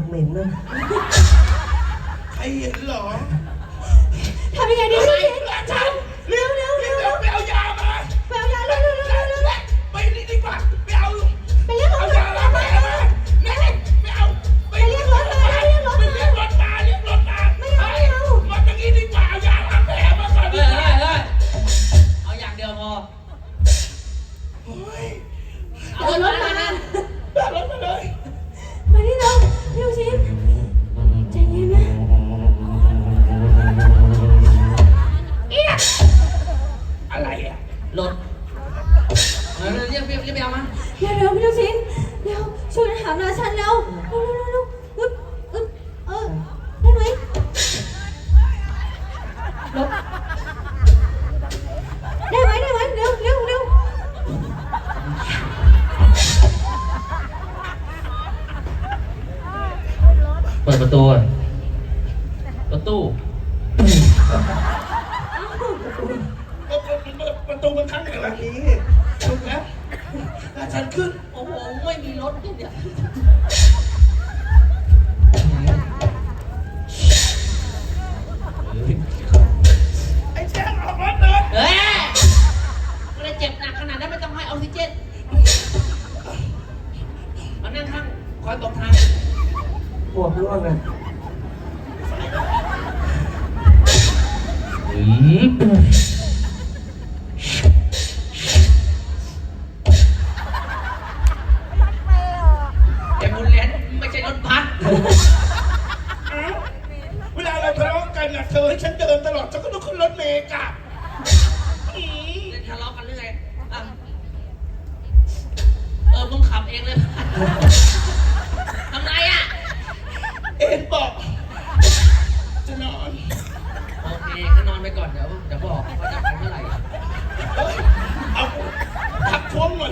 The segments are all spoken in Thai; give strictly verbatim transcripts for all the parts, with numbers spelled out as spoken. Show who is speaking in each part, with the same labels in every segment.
Speaker 1: เหม็นนะ
Speaker 2: ใครเห็นเหรอ
Speaker 3: ทำยังไงดีพี่ชิน
Speaker 2: ฉัน
Speaker 3: เร็วเร็วเร็วเร็ว
Speaker 2: ไปเอายามา
Speaker 3: ไปเอายาเร็วเร็วเร็วเร็ว
Speaker 2: ไปนี่ดีกว่าไปเอา
Speaker 3: ไปเรียกร
Speaker 2: เอา
Speaker 3: ถ
Speaker 2: ยาล้างแผลมานี่ไม่เอาไปเรียกรถมาเรียกรถมาเรียกรถมาเรียกรถมาไม่เอาไม่เอามันอย่างนี้ดีกว่าเอายาล้างแผลมาก่อนดีกว่า
Speaker 4: เอาอย่างเดียวพอ
Speaker 3: เอารถมา
Speaker 2: เอารถมาเลย
Speaker 3: มาที่เราพี่ชินใจเย็นนะ
Speaker 2: อะไรอ่ะ
Speaker 4: รถเรียกเรียกเรียกไปเอามา
Speaker 3: เร็วเร็วพี่ชินเร็วช่วยกันหาราชันเร็วเร็วเร็วเร็วอึ๊บอึ๊บเออได้ไหมรถได้ไหมได้ไหมเร็วเร็วเร็ว
Speaker 4: เปิดประตูรถตู้
Speaker 2: ประตูมันข้างไหนวะนี้ถูกแล้วราชันขึ้น
Speaker 4: โอ้โหไม่มีรถเนี่ย
Speaker 2: ไอ้แช่งออกรถเลย
Speaker 4: เฮ้ยไม่ได้เจ็บหนักขนาดนั้นไม่ต้องให้ออกซิเจนมานั่งข้างคอยบอกทาง
Speaker 1: ปวดร่วงอ่ะ
Speaker 4: แต่บุญแลนไม่ใช่รถบัส
Speaker 2: เวลาเราทะเลาะกันนะเธอให้ฉันเดินตลอดฉันก็ต้องขึ้นรถเมล์กลับ
Speaker 4: เล่นทะเลาะกันเรื่องไงเออมึงขับเองเลยทำไรอ่ะ
Speaker 2: เอ็นบอกจะนอน
Speaker 4: โอเคก็นอนไปก่อนเดี๋ยวเดี๋ยวบอกว่าจะไปเมื่อไหร่
Speaker 2: เอาทับท้วงหน่อย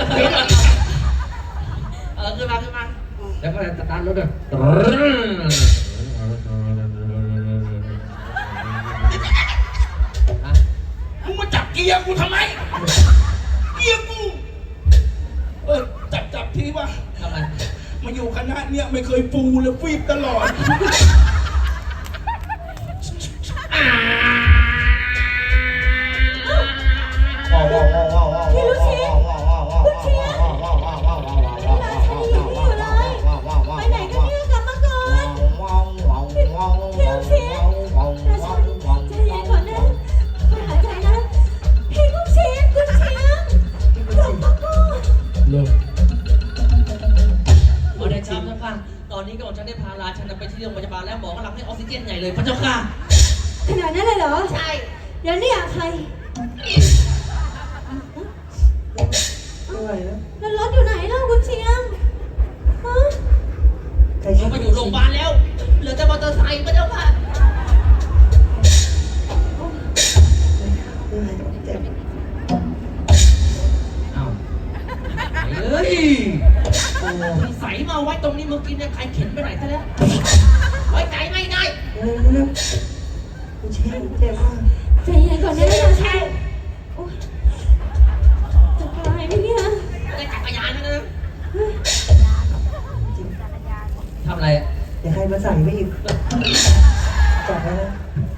Speaker 4: เออขึ้นมาขึ้นมาแล้วก็สตาร์ทรถด้วย
Speaker 2: มึงมาจับเกียร์กูทำไมเกียร์กูเออจับจับทีว่า
Speaker 4: ทำไม
Speaker 2: มาอยู่คณะเนี่ยไม่เคยปูเลยฟีบตลอด
Speaker 3: พี่ลูกชิ้นคุณเชียร์ไปไหนกันเนี่ยกลับมาก่อนพี่ลูกชิ้นราชันใจเย็นก่อนนะไปหายใจนะพี่ลูกชิ้นคุณเชียร์กลับมาก่อน
Speaker 1: เลิก
Speaker 4: พอได้ชิมแล้วค่ะตอนนี้ก็บอกฉันได้พาราฉันไปที่โรงพยาบาลแล้วหมอกำลังให้ออกซิเจนใหญ่เลยพระเจ้าค่ะ
Speaker 3: ขนาดนั้นเลยเหรอ
Speaker 4: ใช่
Speaker 3: เดี๋ยวนี่อยากใคร
Speaker 1: อะไรนะ
Speaker 3: แล้วรถอยู่ไหนล่ะคุณเชียงฮะ
Speaker 4: เขาไปอยู่โรงพยาบาลแล้วเหลือแต่มอเตอร์ไซค์พระเจ้าค่ะ
Speaker 1: เจ็บ
Speaker 4: อ้าวเฮ้ยโอ้ใส่มาไว้ตรงนี้เมื่อกี้เนี่ยใครเข็นไปไหนซะแล้วไว้ใจไม่ได้
Speaker 1: เออคุณเชี่ยเจ็บมาก
Speaker 3: ใจเย็นก่อนนะราชันจะตายไหมเนี่ย
Speaker 4: ได้จักรยานแล้วนะทำอะไรอ่ะ
Speaker 1: อย่าใครมาใส่ไม่อีกจับไว้นะ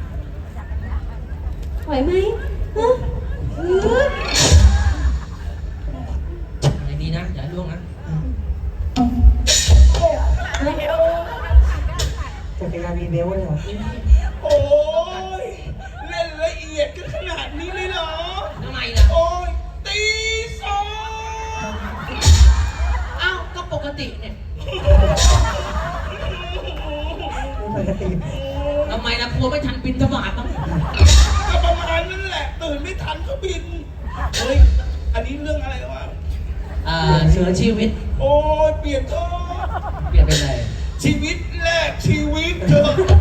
Speaker 3: ไหวไหมฮะ
Speaker 4: อย่างดีนะอย่าล่วงนะ
Speaker 1: จักรยานมีเบลเลยเหรอ
Speaker 2: โอ้ยเล่นละเอียดกันขนาดนี้เลยเหรอ
Speaker 4: ทำไมล่ะ
Speaker 2: โอ้ยตีสอง
Speaker 4: อ้าวก็ปกติเนี่ย
Speaker 1: ปกติ
Speaker 4: ทำไมล่ะกลัวไม่ทันบินทบาทต้อง
Speaker 2: ก็ประมาณนั้นแหละตื่นไม่ทันก็บินเฮ้ยอันนี้เรื่องอะไรวะ
Speaker 4: อ่าเชื้อชีวิต
Speaker 2: โอ้ยเปลี่ยนก็
Speaker 4: เปลี่ยนเป็นอะไร
Speaker 2: ชีวิตแรกชีวิตเธอ